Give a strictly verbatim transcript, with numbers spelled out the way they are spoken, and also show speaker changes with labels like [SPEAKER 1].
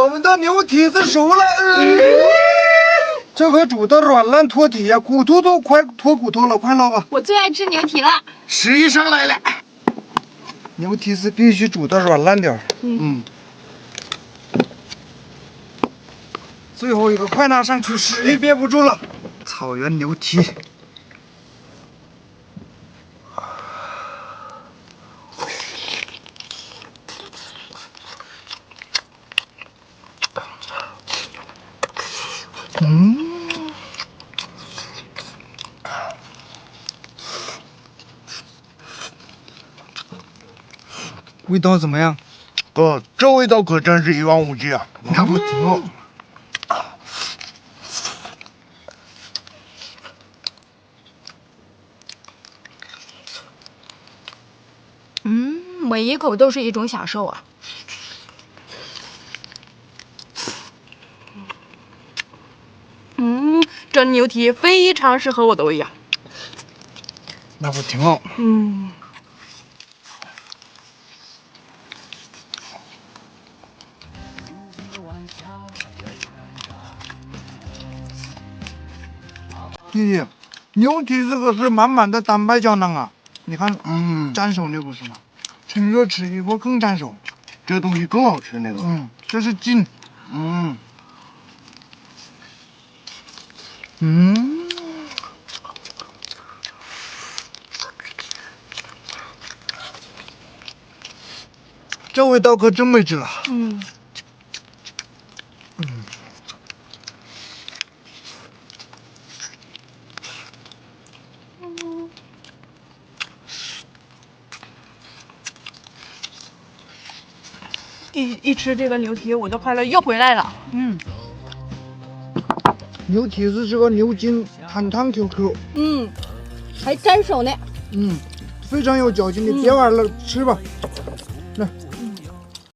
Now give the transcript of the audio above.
[SPEAKER 1] 我们的牛蹄子熟了。嗯、这回煮的软烂脱体呀，骨头都快脱骨头了，快捞吧。
[SPEAKER 2] 我最爱吃牛蹄了。
[SPEAKER 1] 十一上来了，牛蹄子必须煮的软烂点。嗯。嗯最后一个，快拿上去！实力憋不住了。草原牛蹄。嗯，味道怎么样？
[SPEAKER 3] 哥，这味道可真是一望无际啊！
[SPEAKER 1] 那不挺好？
[SPEAKER 2] 嗯，每一口都是一种享受啊。嗯，蒸牛蹄非常适合我的胃呀。
[SPEAKER 1] 那不挺好？
[SPEAKER 2] 嗯。
[SPEAKER 1] 弟弟，牛蹄这个是满满的蛋白胶囊啊！你看，
[SPEAKER 3] 嗯，
[SPEAKER 1] 粘手那不是吗？趁热吃一会更粘手。
[SPEAKER 3] 这东西更好吃那个。
[SPEAKER 1] 嗯，这是筋。
[SPEAKER 3] 嗯。
[SPEAKER 1] 嗯。这味道可真没劲了。
[SPEAKER 2] 嗯。
[SPEAKER 1] 嗯。
[SPEAKER 2] 一一吃这个牛蹄，我的快乐又回来了。嗯。
[SPEAKER 1] 牛蹄子这个牛筋弹弹 Q Q。
[SPEAKER 2] 嗯，还粘手呢。
[SPEAKER 1] 嗯，非常有嚼劲的，别玩了，吃吧。来。